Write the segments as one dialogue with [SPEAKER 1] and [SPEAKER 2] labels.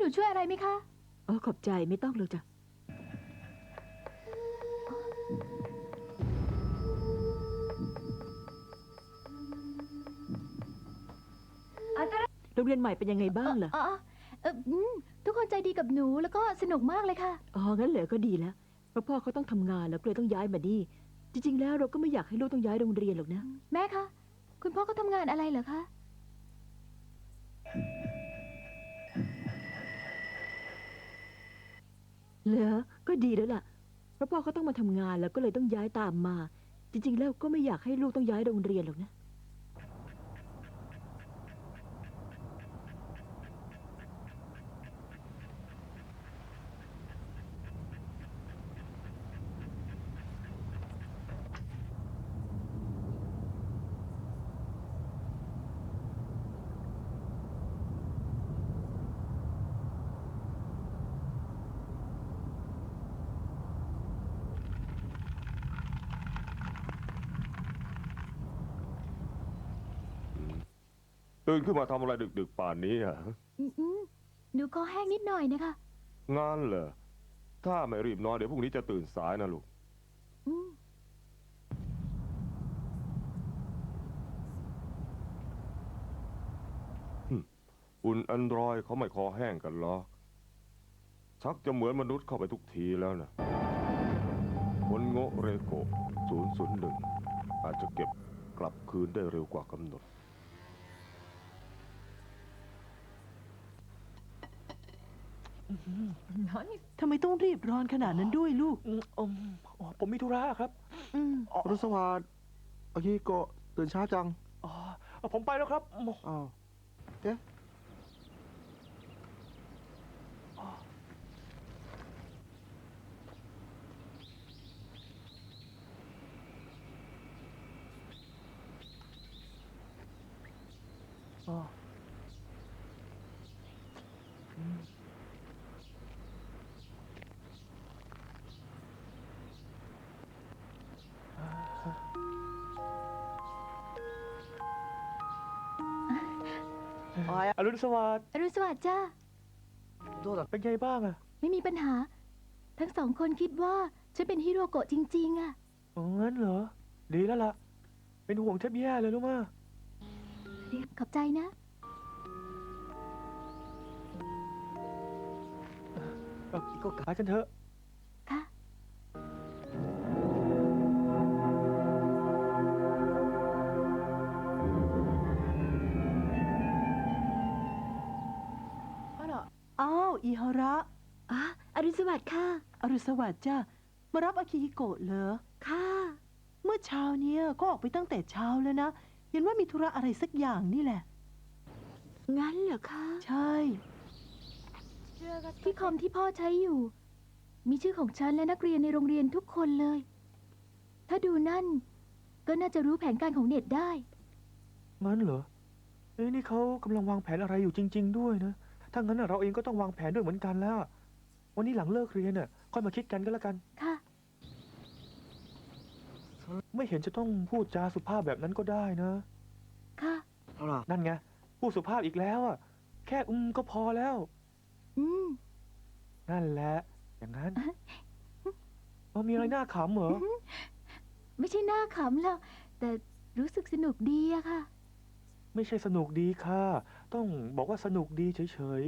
[SPEAKER 1] หนูช่วยอะไรไหมคะ
[SPEAKER 2] ขอบใจไม่ต้องเลยจ้ะโรงเรียนใหม่เป็นยังไงบ้างล่ะ
[SPEAKER 1] ทุกคนใจดีกับหนูแล้วก็สนุกมากเลยค่ะ
[SPEAKER 2] งั้นเหรอก็ดีแล้วเพราะพ่อเขาต้องทำงานแล้วก็เลยต้องย้ายมานี่จริงๆแล้วเราก็ไม่อยากให้ลูกต้องย้ายโรงเรียนหรอกนะ
[SPEAKER 1] แม่คะคุณพ่อเขาทำงานอะไรเหรอคะ
[SPEAKER 2] เหรอก็ดีแล้วล่ะเพราะพ่อเขาต้องมาทำงานแล้วก็เลยต้องย้ายตามมาจริงๆแล้วก็ไม่อยากให้ลูกต้องย้ายโรงเรียนหรอกนะ
[SPEAKER 3] ตื่นขึ้นมาทำอะไรดึกๆป่านนี้อ่ะ
[SPEAKER 1] หนูคอแห้งนิดหน่อยนะคะ
[SPEAKER 3] งานเหรอถ้าไม่รีบนอนเดี๋ยวพรุ่งนี้จะตื่นสายนะลูกอุ่นแอนดรอยเขาไม่คอแห้งกันหรอกชักจะเหมือนมนุษย์เข้าไปทุกทีแล้วนะคนโง่เรโก001อาจจะเก็บกลับคืนได้เร็วกว่ากำหนด
[SPEAKER 4] ทำไมต้องรีบร้อนขนาดนั้นด้วยลูก
[SPEAKER 5] ผมมีธุระครับ
[SPEAKER 6] รุสวัสดิ์อากิโกะตื่นช้าจัง
[SPEAKER 5] ผมไปแล้วครับ
[SPEAKER 6] อ้าวเอ๊ะ
[SPEAKER 5] อรุณสวัสดิ์
[SPEAKER 1] อรุณสวัสดิ์จ้า
[SPEAKER 5] เป็นไงบ้างอะ
[SPEAKER 1] ไม่มีปัญหา ทั้งสองคนคิดว่าฉันเป็นฮิโรโกะจริงๆอะ
[SPEAKER 5] งั้นเหรอดีแล้วล่ะเป็นห่วงแทบแย่เลยรู้มั้ย
[SPEAKER 1] ขอบใจนะ
[SPEAKER 5] ก็กลับกันเถอะ
[SPEAKER 1] ค่ะ
[SPEAKER 4] อ้าวอิฮาระ
[SPEAKER 2] อรุณสวัสดิ์ค่ะ
[SPEAKER 4] อรุณสวัสดิ์จ้ามารับอากิฮิโกะเหรอ
[SPEAKER 2] ค่ะ
[SPEAKER 4] เมื่อเช้าเนี้ยก็ออกไปตั้งแต่เช้าแล้วนะเห็นว่ามีธุระอะไรสักอย่างนี่แหละ
[SPEAKER 2] งั้นเหรอคะ
[SPEAKER 4] ใช่
[SPEAKER 1] ที่คอมที่พ่อใช้อยู่มีชื่อของฉันและนักเรียนในโรงเรียนทุกคนเลยถ้าดูนั่นก็น่าจะรู้แผนการของเน็ตได้
[SPEAKER 5] งั้นเหรอนี่เขากำลังวางแผนอะไรอยู่จริงๆด้วยนะถ้างั้นเราเองก็ต้องวางแผนด้วยเหมือนกันแล้ววันนี้หลังเลิกเรียนค่อยมาคิดกันก็แล้วกัน
[SPEAKER 1] ค่ะ
[SPEAKER 5] ไม่เห็นจะต้องพูดจาสุภาพแบบนั้นก็ได้นะ
[SPEAKER 1] ค่ะ
[SPEAKER 5] นั่นไงพูดสุภาพอีกแล้วแค่ก็พอแล้วนั่นแหละอย่างนั้นมีอะไรน่าขำเหรอ
[SPEAKER 1] ไม่ใช่น่าขำหรอกแต่รู้สึกสนุกดีอะค่ะ
[SPEAKER 5] ไม่ใช่สนุกดีค่ะต้องบอกว่าสนุกดีเฉย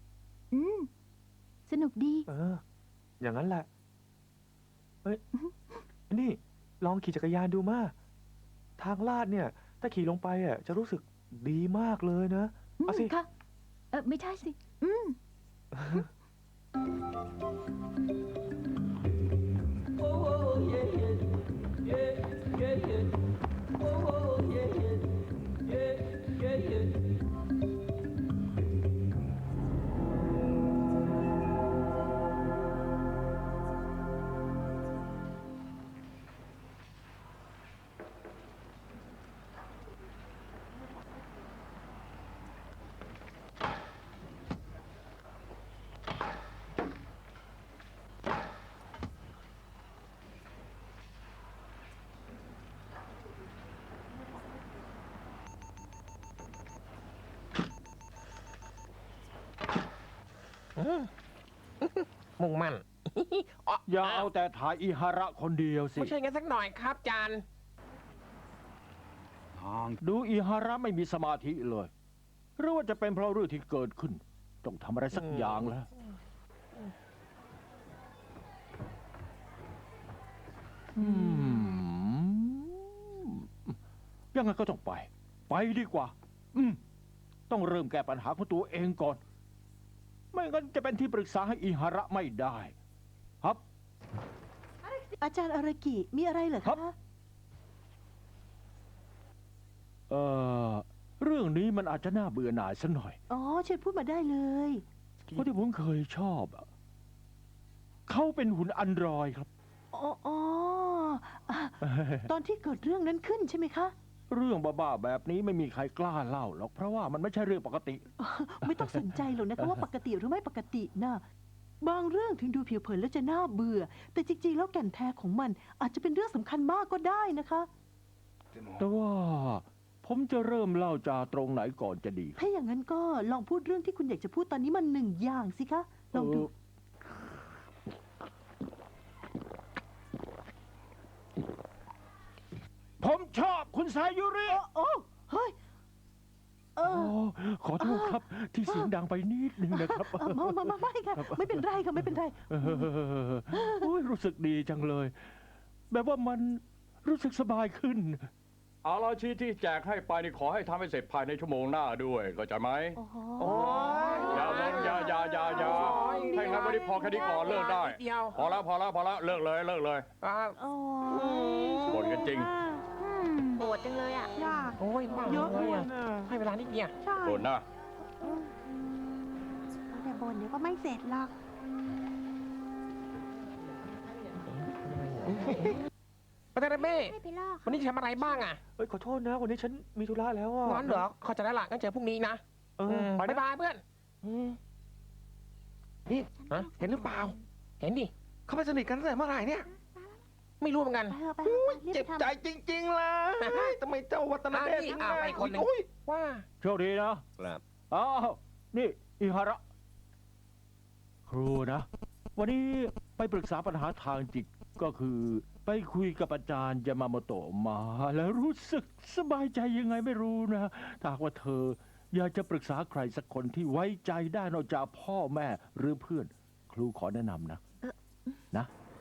[SPEAKER 1] สนุกดี
[SPEAKER 5] อย่างนั้นแหละเฮ้ยนี่ลองขี่จักรยานดูมาทางลาดเนี่ยถ้าขี่ลงไปจะรู้สึกดีมากเลยนะเอาสิ
[SPEAKER 1] ค่ะไม่ใช่สิ
[SPEAKER 7] มุ่งมั่น อ๋อ
[SPEAKER 8] อย่าเอาแต่ถ่ายอิฮาระคนเดียวสิ
[SPEAKER 7] ไม่ใช่งั้นสักหน่อยครับจาน
[SPEAKER 8] ดูอิฮาระไม่มีสมาธิเลย หรือว่าจะเป็นเพราะเรื่องที่เกิดขึ้น ต้องทำอะไรสักอย่างแล้วยังไงก็ต้องไป ไปดีกว่า ต้องเริ่มแก้ปัญหาของตัวเองก่อน ไม่งั้นจะเป็นที่ปรึกษาให้อิฮาระไม่ได้ ครับ
[SPEAKER 4] อาจารย์อารากิมีอะไรเหรอ
[SPEAKER 8] ครั
[SPEAKER 4] คะ
[SPEAKER 8] บ เอ่อ เรื่องนี้มันอาจจะน่าเบื่อหน่ายสักหน่อย
[SPEAKER 4] อ๋อเชิญพูดมาได้เลย
[SPEAKER 8] เพราะที่ผมเคยชอบอะเขาเป็นหุ่นอันดรอยครับ
[SPEAKER 4] อ๋ออ่ะตอนที่เกิดเรื่องนั้นขึ้นใช่ไหมคะ
[SPEAKER 8] เรื่องบ้าๆแบบนี้ไม่มีใครกล้าเล่าหรอก เพราะว่ามันไม่ใช่เรื่องปกติ
[SPEAKER 4] ไม่ต้องสนใจหรอกนะคะว่าปกติหรือไม่ปกตินะบางเรื่องถึงดูผิวเผินแล้วจะน่าเบื่อ แต่จริงๆแล้วแก่นแท้ของมันอาจจะเป็นเรื่องสำคัญมากก็ได้นะคะ
[SPEAKER 8] แต่ว่าผมจะเริ่มเล่าจากตรงไหนก่อนจะดี
[SPEAKER 4] ถ้าอย่างนั้นก็ลองพูดเรื่องที่คุณอยากจะพูดตอนนี้มันหนึ่งอย่างสิคะลองดู
[SPEAKER 8] ผมชอบคุณสายุริ
[SPEAKER 4] โอ้เฮ้ยเอ
[SPEAKER 8] โอ้
[SPEAKER 4] อ
[SPEAKER 8] ขอโทษครับ ที่เสียงดังไปนิดนึงนะครับ
[SPEAKER 4] ไม่ค่ะ ไม่เป็นไรค่ะไม่เป็นไร
[SPEAKER 8] โอ้ยรู้สึกดีจังเลย แบบว่ามันรู้สึกสบายขึ้น
[SPEAKER 9] เอาราชีที่แจกให้ไปนี่ขอให้ทำให้เสร็จภายในชั่วโมงหน้าด้วยเข้าใจไหม
[SPEAKER 4] โอ้โห
[SPEAKER 7] โอ้ย
[SPEAKER 9] อย่าวนอย่าให้งั้นวันนี้พอแค่นี้ก่อนเลิกได้
[SPEAKER 7] นิดเดียว
[SPEAKER 9] พอแล้วเลิกเลย
[SPEAKER 7] อ่า
[SPEAKER 4] โอ้
[SPEAKER 9] บ่นกันจริง
[SPEAKER 1] โหดจังเลยอ่ะ
[SPEAKER 7] โอ้ยมาก
[SPEAKER 8] เยอะ
[SPEAKER 7] เล
[SPEAKER 8] ด้วย ย
[SPEAKER 7] อะ
[SPEAKER 8] นะ
[SPEAKER 7] ให้เวลานิดเดียว
[SPEAKER 9] บ่นนะ
[SPEAKER 4] แต่บนเดี๋ยวก็ไม่เสร็จหรอก
[SPEAKER 7] ปาเตเรเบ้
[SPEAKER 1] ไม่ไปลอก
[SPEAKER 7] วันนี้จะทำอะไรบ้างอ่ะ
[SPEAKER 5] เอ้ยขอโทษนะ วันนี้ฉันมีธุระแล้วอ่ะ
[SPEAKER 7] งั้นเหรอเข้าใจแล้วล่ะงั้นเจอพรุ่งนี้นะ
[SPEAKER 5] เออไป
[SPEAKER 7] บ๊าย
[SPEAKER 5] นะ
[SPEAKER 7] บายเพื่อนนี่ฮะเห็นหรือเปล่า เห็นดิ
[SPEAKER 6] เขาไปสนิทกันตั้งแต่เมื่อไหร่เนี่ย
[SPEAKER 7] ไม่รู้เหมือนกัน
[SPEAKER 4] ไปเถอะไป
[SPEAKER 6] เจ็บใจจริงๆเลยทำไมเจ้าวัตนาเดช
[SPEAKER 7] นี่
[SPEAKER 6] ถึง
[SPEAKER 7] เอาไปคนหนึ่ง
[SPEAKER 6] อุ้ย
[SPEAKER 7] ว่า
[SPEAKER 8] โชคดีนะครับ อ้าวนี่อิฮาระ ครูนะ วันนี้ไปปรึกษาปัญหาทางจิตก็คือ ไปคุยกับอาจารย์ยามาโมโตะมา แล้วรู้สึกสบายใจยังไงไม่รู้นะถ้าหากว่าเธอ อยากจะปรึกษาใครสักคนที่ไว้ใจได้นอกจากพ่อแม่หรือเพื่อน ครูขอแนะนำนะนะ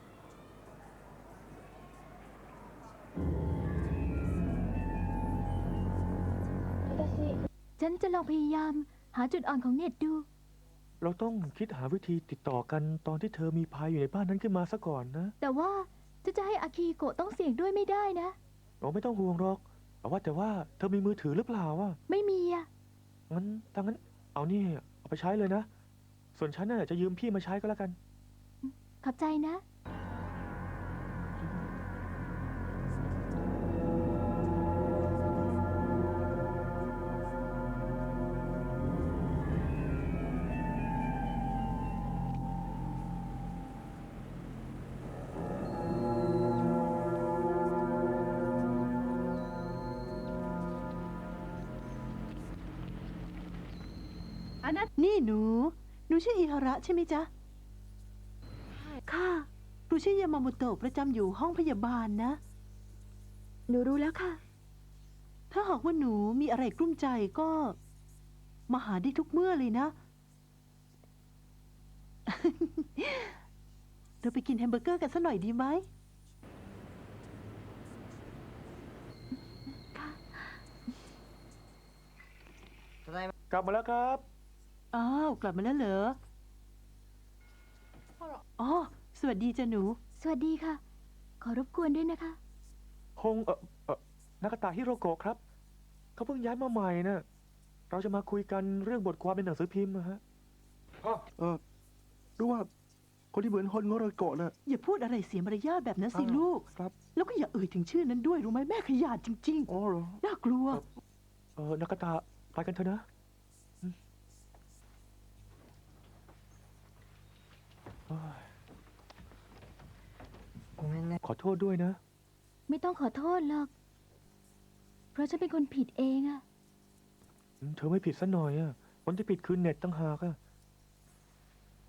[SPEAKER 1] ฉันจะลองพยายามหาจุดอ่อนของเน็ตดู
[SPEAKER 5] เราต้องคิดหาวิธีติดต่อกันตอนที่เธอมีภัยอยู่ในบ้านนั้นขึ้นมาซะก่อนนะ
[SPEAKER 1] แต่ว่าจะให้อาคีโกะต้องเสี่ยงด้วยไม่ได้นะ
[SPEAKER 5] เราไม่ต้องห่วงหรอกแต่ว่าเธอมีมือถือหรือเปล่าวะ
[SPEAKER 1] ไม่มีอะ
[SPEAKER 5] งั้นถ้างั้นเอานี่เอาไปใช้เลยนะ ส่วนฉันน่ะจะยืมพี่มาใช้ก็แล้วกัน
[SPEAKER 1] ขอบใจนะ
[SPEAKER 4] นี่หนูชื่ออิฮาระใช่ไหมจ๊ะ ค่ะครูชื่อยามาโมโตะประจำอยู่ห้องพยาบาลนะ
[SPEAKER 2] หนูรู้แล้วค่ะ
[SPEAKER 4] ถ้าหากว่าหนูมีอะไรกลุ้มใจก็ มาหาได้ทุกเมื่อเลยนะ เราไปกินแฮมเบอร์เกอร์กันสักหน่อยดีไหม
[SPEAKER 5] กลับมาแล้วครับ
[SPEAKER 4] อ้าว กลับมาแล้วเหรอ อ๋อ สวัสดีจ้ะหนู
[SPEAKER 1] สวัสดีค่ะ ขอรบกวนด้วยนะคะ
[SPEAKER 5] คงนากาตะฮิโรโกะครับ เขาเพิ่งย้ายมาใหม่นะเราจะมาคุยกันเรื่องบทความในหนังสือพิมพ์นะฮะ
[SPEAKER 6] รู้ว่าคนที่เหมือนฮอนโงโรโกะน่ะ
[SPEAKER 4] อย่าพูดอะไรเสียมารยาทแบบนั้นสิ
[SPEAKER 5] อ้าว
[SPEAKER 4] ลูก
[SPEAKER 5] ครับ
[SPEAKER 4] แล้วก็อย่าเอ่ยถึงชื่อนั้นด้วยรู้ไหมแม่ขยาดจริง
[SPEAKER 6] อ๋อเหรอ
[SPEAKER 4] ๆ น่ากลัว
[SPEAKER 5] นากาตะไปกันเถอะนะโอ้ยขอโทษด้วยนะ
[SPEAKER 1] ไม่ต้องขอโทษหรอก เพราะฉันเป็นคนผิดเองอะ
[SPEAKER 5] เธอไม่ผิดซะหน่อยอ่ะคนที่ผิดคือเน็ตตั้งหากอ่ะ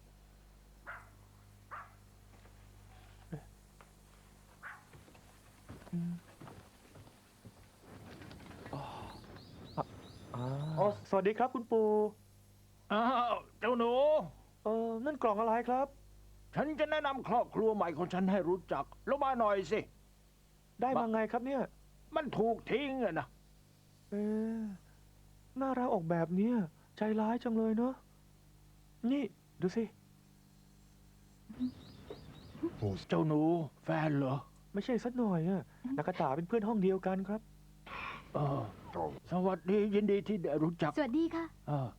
[SPEAKER 5] อ๋อสวัสดีครับคุณปู่
[SPEAKER 8] อ้าวเจ้าหนู
[SPEAKER 5] นั่นกล่องอะไรครับ
[SPEAKER 8] ฉันจะแนะนำครอบครัวใหม่ของฉันให้รู้จักแล้วมาหน่อยสิ
[SPEAKER 5] ได้มาไงครับเนี่ย
[SPEAKER 8] มันถูกทิ้งอะนะ
[SPEAKER 5] เอ๊ะน่ารักออกแบบเนี้ยใจร้ายจังเลยเนาะ นี่ดูสิ
[SPEAKER 8] เจ้าหนูแฟนเหรอ
[SPEAKER 5] ไม่ใช่สักหน่อยอะนากาตะเป็นเพื่อนห้องเดียวกันครับ
[SPEAKER 8] เออสวัสดียินดีที่ได้รู้จัก
[SPEAKER 1] สวัสดีค่ะ
[SPEAKER 8] เออ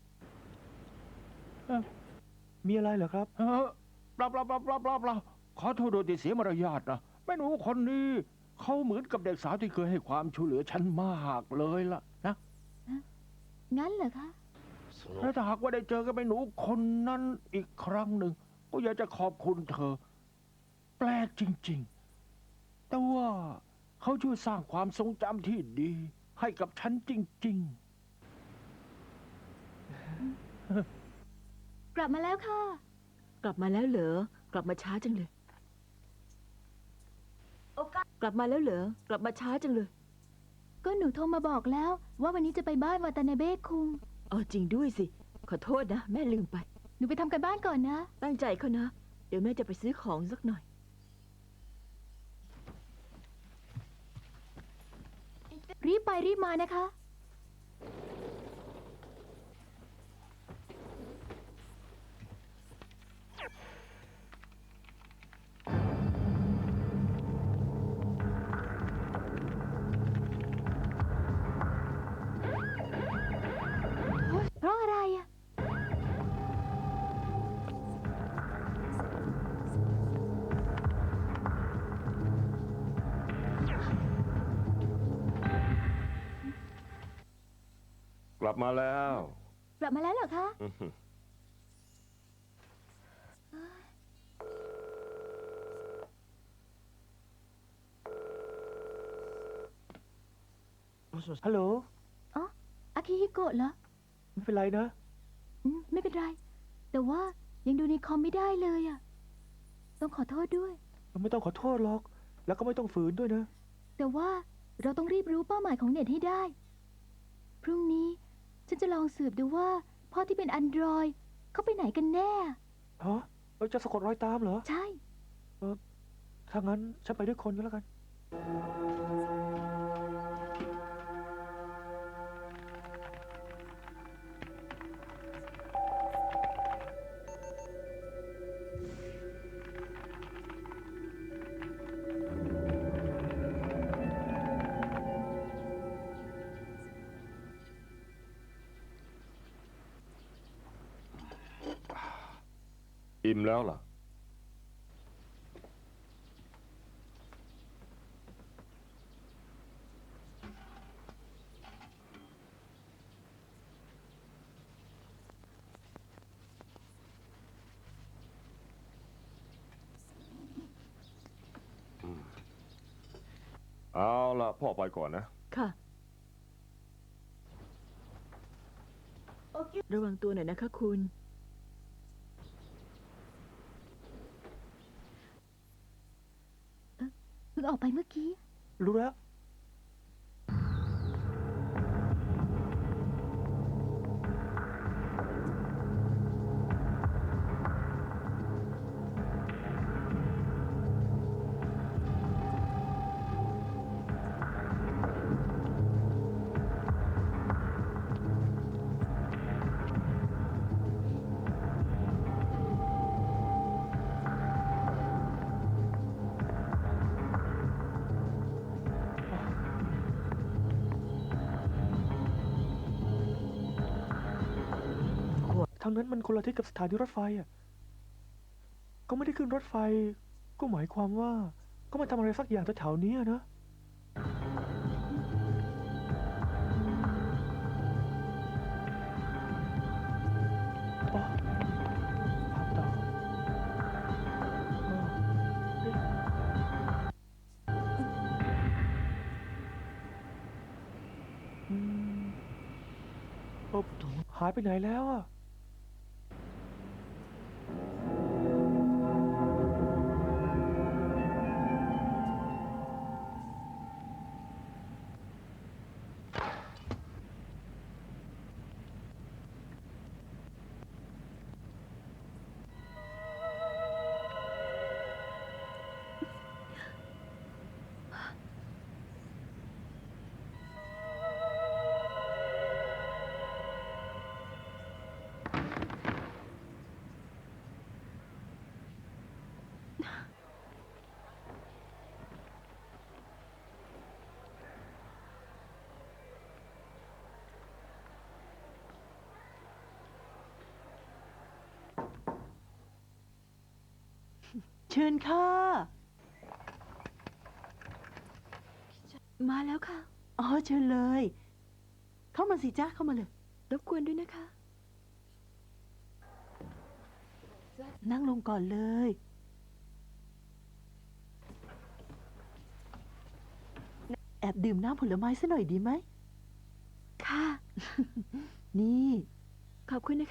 [SPEAKER 5] มีอะไรเหรอครับ
[SPEAKER 8] เปล่าขอโทษโดยที่เสียมารยาทนะแม่หนูคนนี้เขาเหมือนกับเด็กสาวที่เคยให้ความช่วยเหลือฉันมากเลยล่ะนะ
[SPEAKER 1] งั้นเหรอคะ
[SPEAKER 8] และถ้าหากว่าได้เจอกับแม่หนูคนนั้นอีกครั้งหนึ่งก็อยากจะขอบคุณเธอ แปลกจริงๆ แต่ว่าเขาช่วยสร้างความทรงจำที่ดี ให้กับฉันจริง
[SPEAKER 1] กลับมาแล้วค่ะ
[SPEAKER 2] กลับมาแล้วเหรอ กลับมาช้าจังเลย กลับมาแล้วเหรอ กลับมาช้าจังเลย
[SPEAKER 1] ก็หนูโทรมาบอกแล้ว ว่าวันนี้จะไปบ้านวาตานาเบะคุง
[SPEAKER 2] อ๋อจริงด้วยสิ ขอโทษนะ แม่ลืมไป
[SPEAKER 1] หนูไปทำกันบ้านก่อนนะ
[SPEAKER 2] ตั้งใจเขานะ เดี๋ยวแม่จะไปซื้อของสักหน่อย
[SPEAKER 1] รีบไปรีบมานะคะ เพราะอะไรอะ
[SPEAKER 3] กลับมาแล้ว
[SPEAKER 1] กลับมาแล้วเหรอคะ
[SPEAKER 3] อื้อหือ
[SPEAKER 5] ฮัลโหล
[SPEAKER 1] อ๋อ อากิฮิโกะเหรอ
[SPEAKER 5] ไม่เป็นไรนะ
[SPEAKER 1] ไม่เป็นไร แต่ว่ายังดูในคอมไม่ได้เลยอะต้องขอโทษด้วย
[SPEAKER 5] ไม่ต้องขอโทษหรอก แล้วก็ไม่ต้องฝืนด้วยนะ
[SPEAKER 1] แต่ว่าเราต้องรีบรู้เป้าหมายของเน็ตให้ได้ พรุ่งนี้ฉันจะลองสืบดูว่าพ่อที่เป็นอันดรอยเขาไปไหนกันแน่
[SPEAKER 5] ฮะเราจะสะกดรอยตามเหรอ
[SPEAKER 1] ใช่
[SPEAKER 5] ถ้างั้นฉันไปด้วยคนก็แล้วกัน
[SPEAKER 3] อิ่มแล้วล่ะ เอาล่ะ พ่อไปก่อนนะ
[SPEAKER 2] ค่ะ ระวังตัวหน่อยนะคะคุณ
[SPEAKER 1] เพิ่งออกไปเมื่อกี้
[SPEAKER 5] รู้แล้ว ทางนั้นมันคนละทิศกับสถานีรถไฟอ่ะ ก็ไม่ได้ขึ้นรถไฟ ก็หมายความว่า ก็มาทำอะไรสักอย่างแถวๆนี้อะนะอ๋อตามต่ออ๋อเอ๊ะอืมโอ้หายไปไหนแล้วอ่ะ
[SPEAKER 4] เชิญค่ะ
[SPEAKER 2] มาแล้วค่ะ
[SPEAKER 4] อ๋อเชิญเลย เข้ามาสิจ้าเข้ามาเลย
[SPEAKER 2] รบกวนด้วยนะคะ
[SPEAKER 4] นั่งลงก่อนเลย แอบดื่มน้ำผลไม้ซะหน่อยดีไหม
[SPEAKER 2] ค่ะ
[SPEAKER 4] นี่
[SPEAKER 2] ขอบคุณนะคะ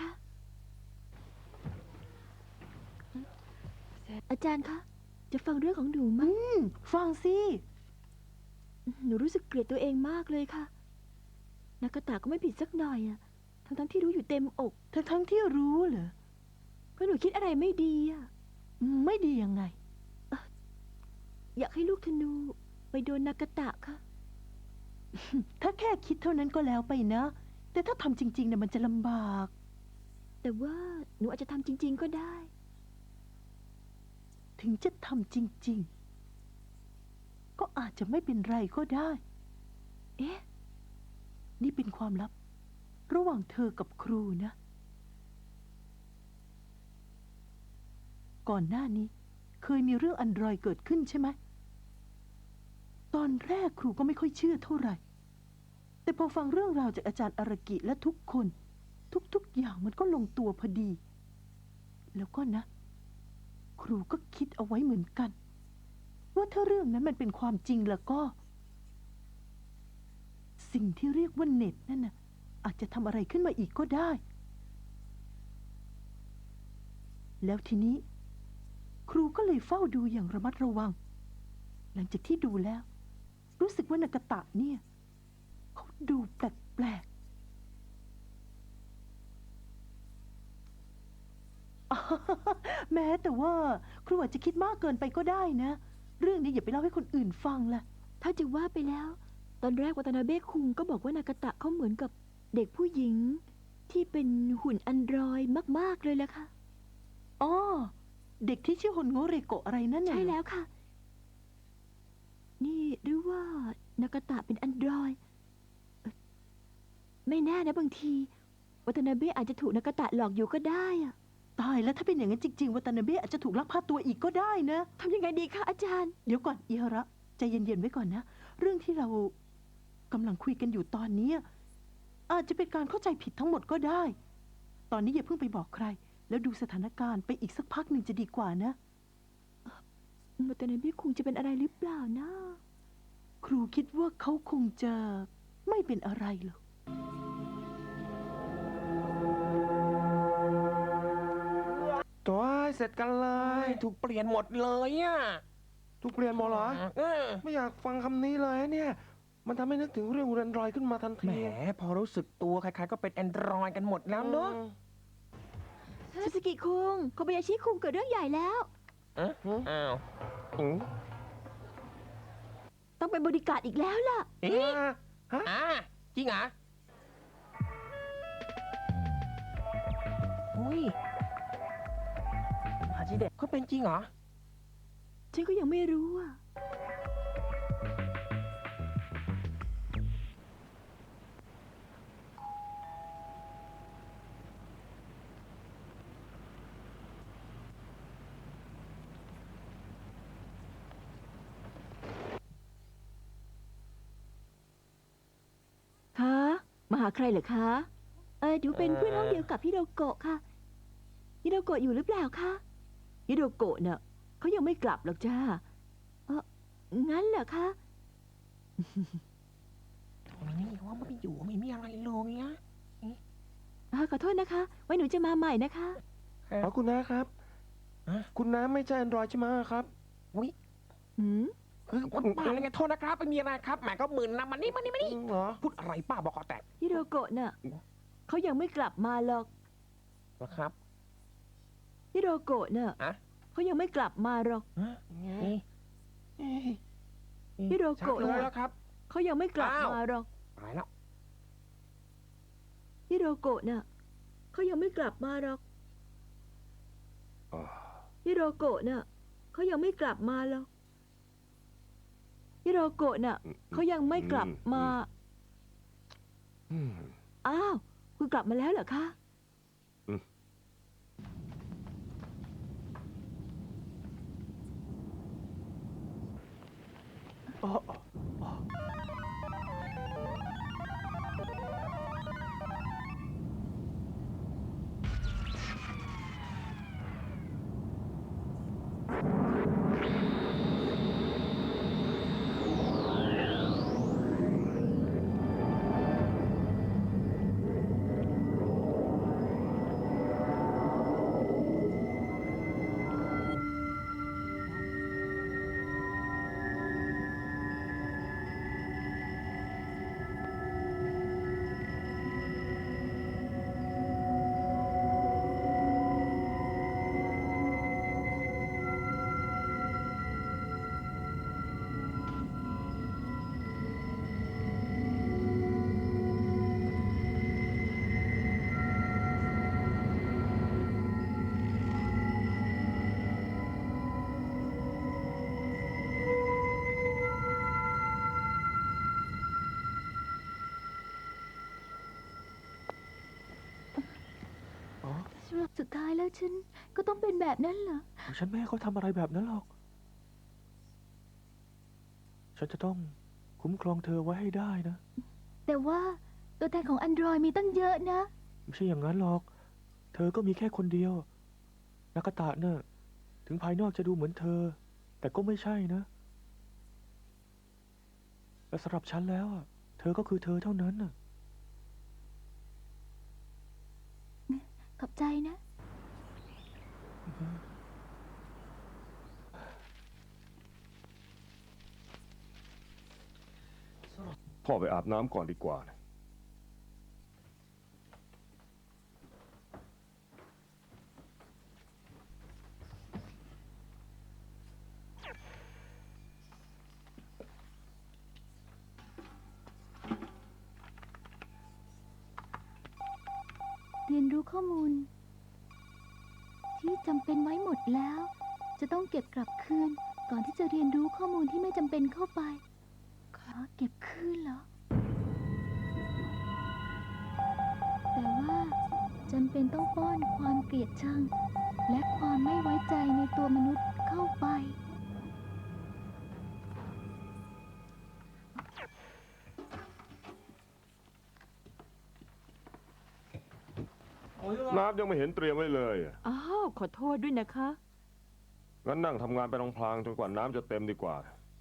[SPEAKER 2] อาจารย์คะ จะฟังเรื่องของหนูไหม
[SPEAKER 4] ฟังสิ
[SPEAKER 2] หนูรู้สึกเกลียดตัวเองมากเลยค่ะ นากาตะก็ไม่ผิดสักหน่อยอะทั้งที่รู้อยู่เต็มอก
[SPEAKER 4] ทั้งที่รู้เหรอ
[SPEAKER 2] เพราะหนูคิดอะไรไม่ดีอะ
[SPEAKER 4] ไม่ดียังไง
[SPEAKER 2] อยากให้ลูกธนูไปโดนนากาตะค่ะ
[SPEAKER 4] ถ้าแค่คิดเท่านั้นก็แล้วไปนะ แต่ถ้าทำจริงๆเนี่ยมันจะลำบาก
[SPEAKER 2] แต่ว่าหนูอาจจะทำจริง ๆ ก็ได้
[SPEAKER 4] ถึงจะทำจริงๆ ก็อาจจะไม่เป็นไรก็ได้
[SPEAKER 2] เอ๊ะ
[SPEAKER 4] นี่เป็นความลับ ระหว่างเธอกับครูนะ ก่อนหน้านี้ เคยมีเรื่องอันดรอยเกิดขึ้นใช่ไหม ตอนแรกครูก็ไม่ค่อยเชื่อเท่าไหร่ แต่พอฟังเรื่องราวจากอาจารย์อารากิและทุกคน ทุกๆอย่างมันก็ลงตัวพอดี แล้วก็นะ ครูก็คิดเอาไว้เหมือนกัน ว่าถ้าเรื่องนั้นมันเป็นความจริงแล้วก็ สิ่งที่เรียกว่าเน็ตนั่นน่ะอาจจะทำอะไรขึ้นมาอีกก็ได้ แล้วทีนี้ ครูก็เลยเฝ้าดูอย่างระมัดระวัง หลังจากที่ดูแล้ว รู้สึกว่านากาตะเนี่ยเขาดูแปลกๆ แม้แต่ว่าครูอาจจะคิดมากเกินไปก็ได้นะ เรื่องนี้อย่าไปเล่าให้คนอื่นฟังล่ะ
[SPEAKER 2] ถ้าจะว่าไปแล้ว ตอนแรกวัตนาเบะคุงก็บอกว่านากาตะเขาเหมือนกับเด็กผู้หญิง ที่เป็นหุ่นอันดรอยมาก ๆ เลยแหละค่ะ
[SPEAKER 4] อ๋อ เด็กที่ชื่อฮนโงเรโกะอะไรนั่นน่ะ
[SPEAKER 2] ใช่แล้วค่ะ นี่หรือว่านากาตะเป็นอันดรอยไม่แน่นะบางที วัตนาเบะอาจจะถูกนากาตะหลอกอยู่ก็ได้อะ
[SPEAKER 4] ตายแล้วถ้าเป็นอย่างนั้นจริงๆวัตนาเบะอาจจะถูกลักพาตัวอีกก็ได้นะ
[SPEAKER 2] ทำยังไงดีคะอาจารย์
[SPEAKER 4] เดี๋ยวก่อนอิฮาระใจเย็นๆไว้ก่อนนะ เรื่องที่เรากำลังคุยกันอยู่ตอนนี้อาจจะเป็นการเข้าใจผิดทั้งหมดก็ได้ ตอนนี้อย่าเพิ่งไปบอกใคร แล้วดูสถานการณ์ไปอีกสักพักหนึ่งจะดีกว่านะ
[SPEAKER 2] วัตนาเบะคุงจะเป็นอะไรหรือเปล่านะ
[SPEAKER 4] ครูคิดว่าเขาคงจะไม่เป็นอะไรหรอก
[SPEAKER 7] ตัวเสร็จกันเลย ถูกเปลี่ยนหมดเลยอ่ะ
[SPEAKER 3] ถูกเปลี่ยนหมดเหรอ
[SPEAKER 7] เออ
[SPEAKER 3] ไม่อยากฟังคำนี้เลยเนี่ย มันทำให้นึกถึงเรื่องแอนดรอยขึ้นมาทัน
[SPEAKER 7] แหม
[SPEAKER 3] ที
[SPEAKER 7] พอรู้สึกตัวใครๆก็เป็นแอนดรอยกันหมดแล้วเนอะ
[SPEAKER 2] ซูซูกิคุงโคบายาชิคุงเกิดเรื่องใหญ่แล้ว
[SPEAKER 7] อ้าว
[SPEAKER 3] อืม
[SPEAKER 2] ต้องเป็นบริการดอีกแล้วล่ะ
[SPEAKER 7] เอ๊ะจริงเหรออุ้ยมาจิเด็กเขาเป็นจริงเหรอ
[SPEAKER 2] ฉันก็ยังไม่รู้อ่ะ คะมาหาใครเหรอคะ ดูเป็นเพื่อนห้องเดียวกับฮิโรโกะค่ะฮิโรโกะอยู่หรือเปล่าคะฮิโรโกะเน่ะเขายังไม่กลับหรอกจ้างั้นเหรอคะ
[SPEAKER 7] นี่ว่ามันไม่อยู่ไม่มีอะไรเลยนะ
[SPEAKER 2] ขอโทษนะคะ ไว้หนูจะมาใหม่นะคะ
[SPEAKER 3] อ๋อคุณน้าครับ คุณน้าไม่ใช่แอนดรอยใช่ไหมครับ
[SPEAKER 2] หืม
[SPEAKER 7] ป้าอะไรไงโทษนะครับไม่มีอะไรครับแหมก็หมื่นนะมันนี่
[SPEAKER 3] เหรอ
[SPEAKER 7] พูดอะไรป้าบอกคอแตก
[SPEAKER 2] ฮิโรโกะน่ะเขายังไม่กลับมาหรอก
[SPEAKER 7] นะครับ
[SPEAKER 2] ฮิโรโกะน่ะ
[SPEAKER 7] อะ
[SPEAKER 2] เขายังไม่กลับมาหรอก
[SPEAKER 7] นี่
[SPEAKER 2] ฮิโรโกะ
[SPEAKER 7] ชัเลยแล้วครับ
[SPEAKER 2] เขายังไม่กลับมาหรอก
[SPEAKER 7] ตายแล้ว
[SPEAKER 2] ฮิโรโกะน่ะเขายังไม่กลับมาหรอก
[SPEAKER 3] อ่า
[SPEAKER 2] ฮิโรโกะน่ะเขายังไม่กลับมาหรอกฮิโรโกะน่ะเขายังไม่กลับมา
[SPEAKER 3] อืม
[SPEAKER 2] อ้าวคุณกลับมาแล้วเหรอคะ
[SPEAKER 3] อืม
[SPEAKER 5] อ๋อ
[SPEAKER 1] สุดท้ายแล้วฉันก็ต้องเป็นแบบนั้นเหรอ
[SPEAKER 5] ฉันไม่ให้เขาทำอะไรแบบนั้นหรอก ฉันจะต้องคุ้มครองเธอไว้ให้ได้นะ
[SPEAKER 1] แต่ว่าตัวแทนของ Android มีตั้งเยอะนะ
[SPEAKER 5] ไม่ใช่อย่างนั้นหรอก เธอก็มีแค่คนเดียว นากาตะเนี่ยถึงภายนอกจะดูเหมือนเธอ แต่ก็ไม่ใช่นะและสำหรับฉันแล้วอะเธอก็คือเธอเท่านั้นน่ะ
[SPEAKER 1] ขอบใจนะ
[SPEAKER 3] พ่อไปอาบน้ำก่อนดีกว่านะ
[SPEAKER 1] เรียนรู้ข้อมูล ที่จำเป็นไว้หมดแล้ว จะต้องเก็บกลับคืน ก่อนที่จะเรียนรู้ข้อมูลที่ไม่จำเป็นเข้าไป ขอเก็บคืนเหรอ แต่ว่าจำเป็นต้องป้อนความเกลียดชัง และความไม่ไว้ใจในตัวมนุษย์เข้าไป
[SPEAKER 3] น้ำยังไม่เห็นเตรียมไว้เลยอะ
[SPEAKER 2] อ้าว ขอโทษด้วยนะคะ
[SPEAKER 3] งั้นนั่งทำงานไปพลางๆจนกว่าน้ำจะเต็มดีกว่า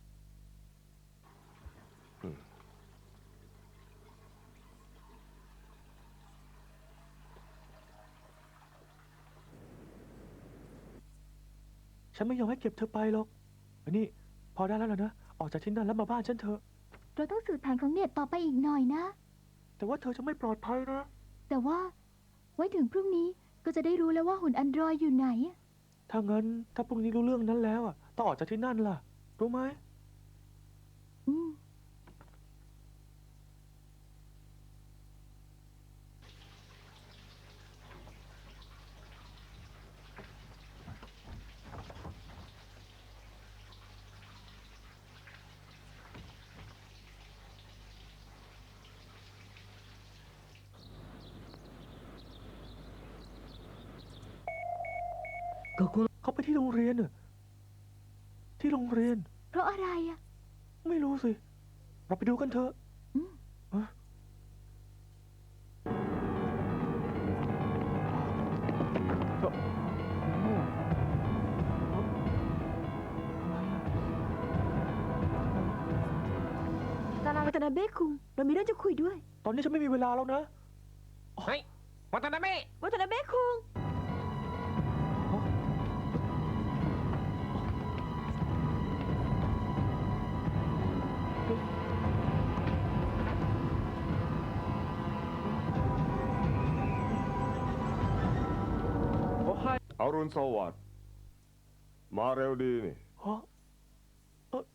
[SPEAKER 5] ฉันไม่ยอมให้เก็บเธอไปหรอกอันนี้พอได้แล้วล่ะนะ ออกจากที่นั่นแล้วมาบ้านฉันเถอะ
[SPEAKER 1] เราต้องสืบแผนของเน็ตต่อไปอีกหน่อยนะ
[SPEAKER 5] แต่ว่าเธอจะไม่ปลอดภัยนะ
[SPEAKER 1] แต่ว่าไว้ถึงพรุ่งนี้ก็จะได้รู้แล้วว่าหุ่น Android อยู่ไหน
[SPEAKER 5] ถ้างั้นถ้าพรุ่งนี้รู้เรื่องนั้นแล้วอ่ะต้องออกจากที่นั่นล่ะ รู้ไหม
[SPEAKER 1] อืม
[SPEAKER 5] เขาไปที่โรงเรียนน่ะที่โรงเรียน
[SPEAKER 1] เพราะอะไรอ่ะ
[SPEAKER 5] ไม่รู้สิ เราไปดูกันเถอะ
[SPEAKER 1] อืม
[SPEAKER 5] ฮะเอ่อโอ้อะไรอะ
[SPEAKER 2] วัตนาเบะคุง เรามีเรื่องจะคุยด้วย
[SPEAKER 5] ตอนนี้ฉันไม่มีเวลาแล้วนะ
[SPEAKER 7] เฮ้ยวัตนาเมะ
[SPEAKER 2] วัตนาเบะคุง
[SPEAKER 3] อรุณสวัสดิ์มาเร็วดีนี่
[SPEAKER 5] ฮะเอ่อ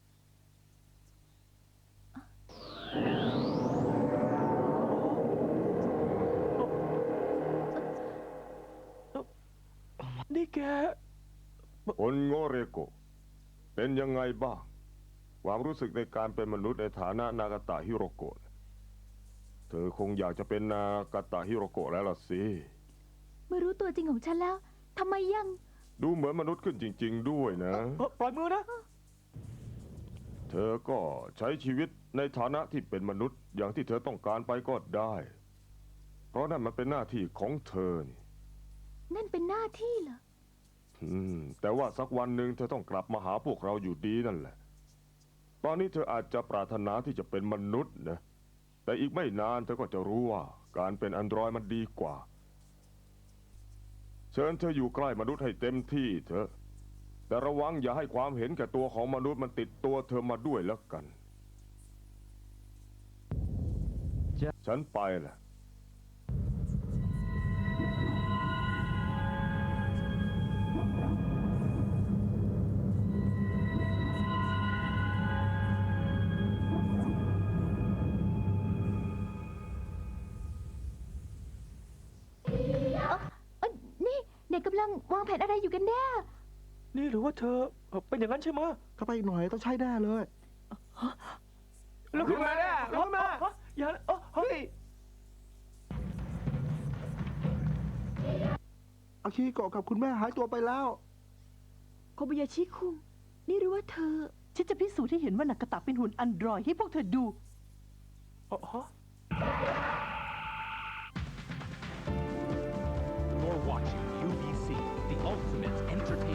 [SPEAKER 5] นี่แก
[SPEAKER 3] คนโงเรโกะเป็นยังไงบ้าง ความรู้สึกในการเป็นมนุษย์ในฐานะนากาตะฮิโรโกะเธอคงอยากจะเป็นนากาตะฮิโรโกะแล้วล่ะสิ
[SPEAKER 1] เมื่อรู้ตัวจริงของฉันแล้วทำไมยัง
[SPEAKER 3] ดูเหมือนมนุษย์ขึ้นจริง ๆ ด้วยนะ
[SPEAKER 5] ปล่อยมือนะ
[SPEAKER 3] เธอก็ใช้ชีวิตในฐานะที่เป็นมนุษย์อย่างที่เธอต้องการไปก็ได้ เพราะนั่นมันเป็นหน้าที่ของเธอนี่
[SPEAKER 1] นั่นเป็นหน้าที่เหรอ
[SPEAKER 3] แต่ว่าสักวันหนึ่งเธอต้องกลับมาหาพวกเราอยู่ดีนั่นแหละ ตอนนี้เธออาจจะปรารถนาที่จะเป็นมนุษย์นะ แต่อีกไม่นานเธอก็จะรู้ว่าการเป็นอันดรอยมันดีกว่า เชิญเธออยู่ใกล้มนุษย์ให้เต็มที่เถอะ แต่ระวังอย่าให้ความเห็นแก่ตัวของมนุษย์มันติดตัวเธอมาด้วยแล้วกัน ฉันไปแหละ
[SPEAKER 1] นี่เด็กกำลังวางแผนอะไรอยู่กันแน่
[SPEAKER 5] นี่หรือว่าเธอเป็นอย่างนั้นใช่ไหม
[SPEAKER 6] เข้าไปอีกหน่อยต้องใช้แน่เลย
[SPEAKER 5] ลุกขึ้นมาเนี่ยลุกขึ้นมาอย่าเฮ้ย
[SPEAKER 6] อากิโกะกับคุณแม่หายตัวไปแล้ว
[SPEAKER 2] โคบายาชิคุง นี่หรือว่าเธอ
[SPEAKER 4] ฉันจะพิสูจน์ให้เห็นว่านากาตะเป็นหุ่นอันดรอยให้พวกเธอดู
[SPEAKER 10] You're watching UBC, the ultimate entertainment.